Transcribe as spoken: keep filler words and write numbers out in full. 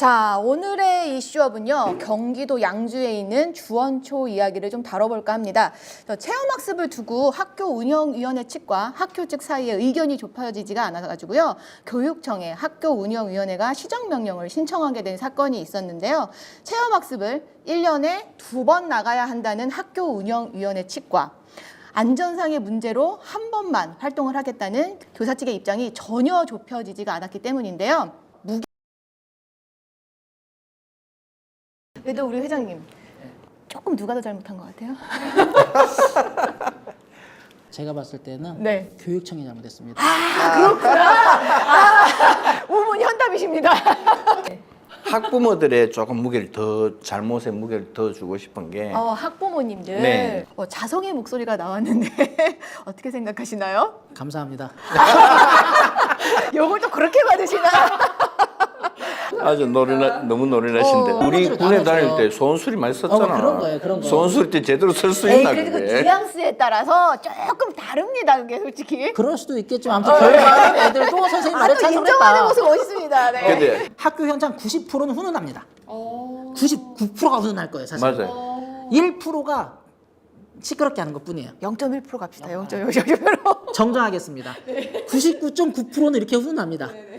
자, 오늘의 이슈업은요, 경기도 양주에 있는 주원초 이야기를 좀 다뤄볼까 합니다. 체험학습을 두고 학교 운영위원회 측과 학교 측 사이에 의견이 좁혀지지가 않아가지고요, 교육청에 학교 운영위원회가 시정명령을 신청하게 된 사건이 있었는데요. 체험학습을 일 년에 두 번 나가야 한다는 학교 운영위원회 측과 안전상의 문제로 한 번만 활동을 하겠다는 교사 측의 입장이 전혀 좁혀지지가 않았기 때문인데요. 그래도 우리 회장님, 조금 누가 더 잘못한 것 같아요? 제가 봤을 때는 네. 교육청이 잘못했습니다. 아, 그렇구나. 아, 우문 현답이십니다. 학부모들의 조금 무게를 더 잘못의 무게를 더 주고 싶은 게 어, 학부모님들 네. 어, 자성의 목소리가 나왔는데 어떻게 생각하시나요? 감사합니다. 요걸 또 그렇게 받으시나? 아주 노련하, 너무 노련하신데 어. 우리 학부모들이 군에 다 다닐 하면서. 때 소원술이 많이 썼잖아. 어, 그런 거예요, 그런 거. 소원술 때 제대로 쓸 수 에이, 있나 그래도 그 그게? 뉘앙스에 따라서 조금 다릅니다, 그게 솔직히. 그럴 수도 있겠지만 아무튼 결과는 애들도 선생님 말에 아, 또 인정하는 찬성했다. 모습 멋있습니다. 네. 근데 학교 현장 구십 퍼센트는 훈훈합니다. 구십구 퍼센트가 훈훈할 거예요, 사실. 맞아요. 일 퍼센트가 시끄럽게 하는 것뿐이에요. 영 점 일 퍼센트 갑시다. 영 점 일 퍼센트. 정정하겠습니다. 구십구 점 구 퍼센트는 이렇게 훈훈합니다.